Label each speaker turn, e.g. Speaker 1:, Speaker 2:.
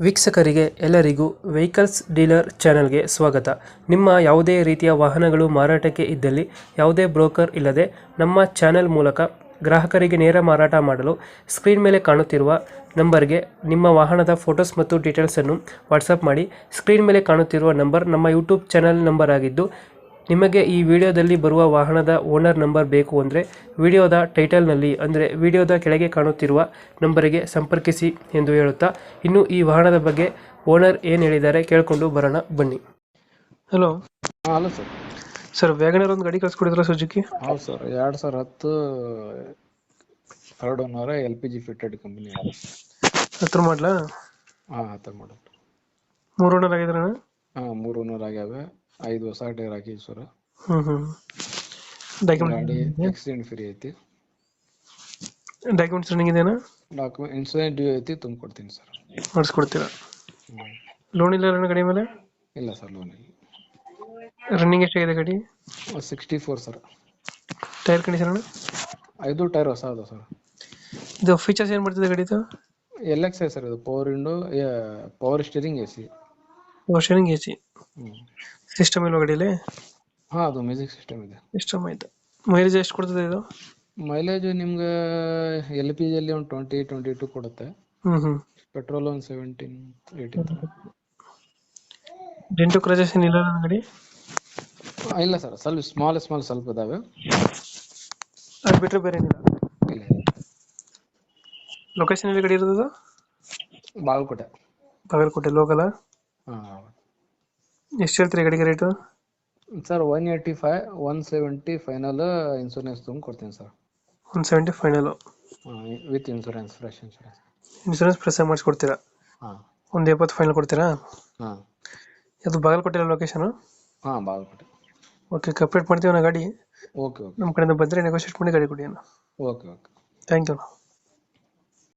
Speaker 1: ವೀಕ್ಷಕರಿಗೆ ಎಲ್ಲರಿಗೂ vehicles dealer ಚಾನೆಲ್ಗೆ ಸ್ವಾಗತ. ನಿಮ್ಮ ಯಾವುದೇ ರೀತಿಯ ವಾಹನಗಳು ಮಾರಾಟಕ್ಕೆ ಇದ್ದಲ್ಲಿ ಯಾವುದೇ ಬ್ರೋಕರ್ ಇಲ್ಲದೆ ನಮ್ಮ ಚಾನೆಲ್ ಮೂಲಕ ಗ್ರಾಹಕರಿಗೆ ನೇರ ಮಾರಾಟ ಮಾಡಲು ಸ್ಕ್ರೀನ್ ಮೇಲೆ ಕಾಣುತ್ತಿರುವ ನಂಬರ್ಗೆ ನಿಮ್ಮ ವಾಹನದ ಫೋಟೋಸ್ ಮತ್ತು ಡೀಟೇಲ್ಸನ್ನು ವಾಟ್ಸಪ್ ಮಾಡಿ. ಸ್ಕ್ರೀನ್ ಮೇಲೆ ಕಾಣುತ್ತಿರುವ ನಂಬರ್ ನಮ್ಮ ಯೂಟ್ಯೂಬ್ ಚಾನೆಲ್ ನಂಬರ್ ಆಗಿದ್ದು, ನಿಮಗೆ ಈ ವಿಡಿಯೋದಲ್ಲಿ ಬರುವ ವಾಹನದ ಓನರ್ ನಂಬರ್ ಬೇಕು ಅಂದರೆ ವಿಡಿಯೋದ ಟೈಟಲ್ನಲ್ಲಿ ಅಂದರೆ ವಿಡಿಯೋದ ಕೆಳಗೆ ಕಾಣುತ್ತಿರುವ ನಂಬರಿಗೆ ಸಂಪರ್ಕಿಸಿ ಎಂದು ಹೇಳುತ್ತಾ, ಇನ್ನು ಈ ವಾಹನದ ಬಗ್ಗೆ ಓನರ್ ಏನು ಹೇಳಿದ್ದಾರೆ ಕೇಳಿಕೊಂಡು ಬರೋಣ ಬನ್ನಿ. Hello
Speaker 2: hello sir.
Speaker 1: Sir, Wagon R ಒಂದು ಗಾಡಿ ಕಳಿಸ್ಕೊಡಿದ್ರ ಸುಜುಕಿ?
Speaker 2: ಹೌದು sir, 2010 third owner, LPG fitted company.
Speaker 1: ಹತ್ರ ಮಾಡಲಾ?
Speaker 2: ಹಾಂ, ಆ ಥರ ಮಾಡೋದು.
Speaker 1: 3 ಓನರ್ ಆಗಿದ್ರಣ?
Speaker 2: ಹಾಂ, 3 ಓನರ್ ಆಗ್ಯಾವೆ. 5 ಹೊಸ ಟೈರ್ ಹಾಕಿದ್ವಿ ಸರ್. ಗಾಡಿ ಆಕ್ಸಿಡೆಂಟ್ ಫ್ರೀ ಐತಿ.
Speaker 1: ಡಾಕ್ಯುಮೆಂಟ್ಸ್ ರನ್ನಿಂಗ್ ಇದೆಯಾ?
Speaker 2: ಡಾಕ್ಯುಮೆಂಟ್ ಇನ್ಸೂರೆನ್ಸ್ ಡ್ಯೂ ಐತಿ, ತುಂಬಿಕೊಡ್ತೀನಿ ಸರ್.
Speaker 1: ಮಾಡಿಸ್ಕೊಡ್ತೀರಾ? ಲೋನ್ ಇಲ್ಲ ಅಣ್ಣ ಗಾಡಿ ಮೇಲೆ?
Speaker 2: ಇಲ್ಲ ಸರ್, ಲೋನ್ ಇಲ್ಲ.
Speaker 1: ರನ್ನಿಂಗ್ ಎಷ್ಟಾಗಿದೆ ಗಾಡಿ?
Speaker 2: 64 ಸರ್.
Speaker 1: ಟೈರ್ ಕಂಡೀಷನ್ ಅಣ್ಣ?
Speaker 2: 5 ಟೈರ್ ಹೊಸ ಅದ ಸರ್.
Speaker 1: ಇದು ಫೀಚರ್ಸ್ ಏನು ಮಾಡ್ತಿದೆ ಗಾಡಿದು?
Speaker 2: LX sir. ಇದು power window, power steering, AC.
Speaker 1: ವಾಷರಿಂಗ್, AC. ಸಿಸ್ಟಮ್ ಇಲ್ವಾ ಗಾಡಿಯಲ್ಲಿ?
Speaker 2: ಹಾಂ, ಅದು ಮ್ಯೂಸಿಕ್ ಸಿಸ್ಟಮ್ ಇದೆ.
Speaker 1: ಸಿಸ್ಟಮ್ ಆಯ್ತು. ಮೈಲೇಜ್ ಎಷ್ಟು ಕೊಡ್ತದೆ ಇದು?
Speaker 2: ಮೈಲೇಜ್ ನಿಮ್ಗೆ LPG ಅಲ್ಲಿ ಒಂದು 20-22 ಕೊಡುತ್ತೆ. ಪೆಟ್ರೋಲ್ ಒಂದು 17-18.
Speaker 1: ಡೆಂಟು ಕ್ರಚಸ್ ಏನಿಲ್ಲ ನನ್ನ ಗಾಡಿ?
Speaker 2: ಇಲ್ಲ ಸರ್, ಸ್ವಲ್ಪ ಸ್ಮಾಲ್ ಸ್ವಲ್ಪ ಇದಾವೆ.
Speaker 1: ಅದು ಬಿಟ್ಟರೆ ಬೇರೆ ಏನಿಲ್ಲ?
Speaker 2: ಇಲ್ಲ.
Speaker 1: ಲೊಕೇಶನ್ ಎಲ್ಲಿ ಗಾಡಿ ಇರೋದು?
Speaker 2: ಬಾಗಲಕೋಟೆ.
Speaker 1: ಬಾಗಲಕೋಟೆ ಲೋಕಲ್?
Speaker 2: ಹಾಂ.
Speaker 1: ಎಷ್ಟು ಹೇಳ್ತೀರಿ ಗಾಡಿಗೆ ರೇಟು?
Speaker 2: Sir 185, 170 final. ಇನ್ಸೂರೆನ್ಸ್ ತುಂಬ ಕೊಡ್ತೀನಿ sir.
Speaker 1: 170 final?
Speaker 2: With insurance, fresh insurance.
Speaker 1: Insurance press ಮಾಡಿಸ್ಕೊಡ್ತೀರಾ?
Speaker 2: ಹಾಂ.
Speaker 1: 170 ಫೈನಲ್ ಕೊಡ್ತೀರಾ?
Speaker 2: ಹಾಂ.
Speaker 1: ಅದು ಬಾಗಲಕೋಟೆ ಲೊಕೇಶನು?
Speaker 2: ಹಾಂ, ಬಾಗಲಕೋಟೆ.
Speaker 1: ಓಕೆ, ಕಂಪ್ಲೀಟ್ ಮಾಡ್ತೀವಿ ನಾ ಗಾಡಿ.
Speaker 2: ಓಕೆ.
Speaker 1: ನಮ್ಮ ಕಡೆಯಿಂದ ಬಂದರೆ ನೆಗೋಷಿಯೇಟ್ ಮಾಡಿ ಗಾಡಿ ಕೊಡಿ ಅಣ್ಣ.
Speaker 2: ಓಕೆ.
Speaker 1: Thank you.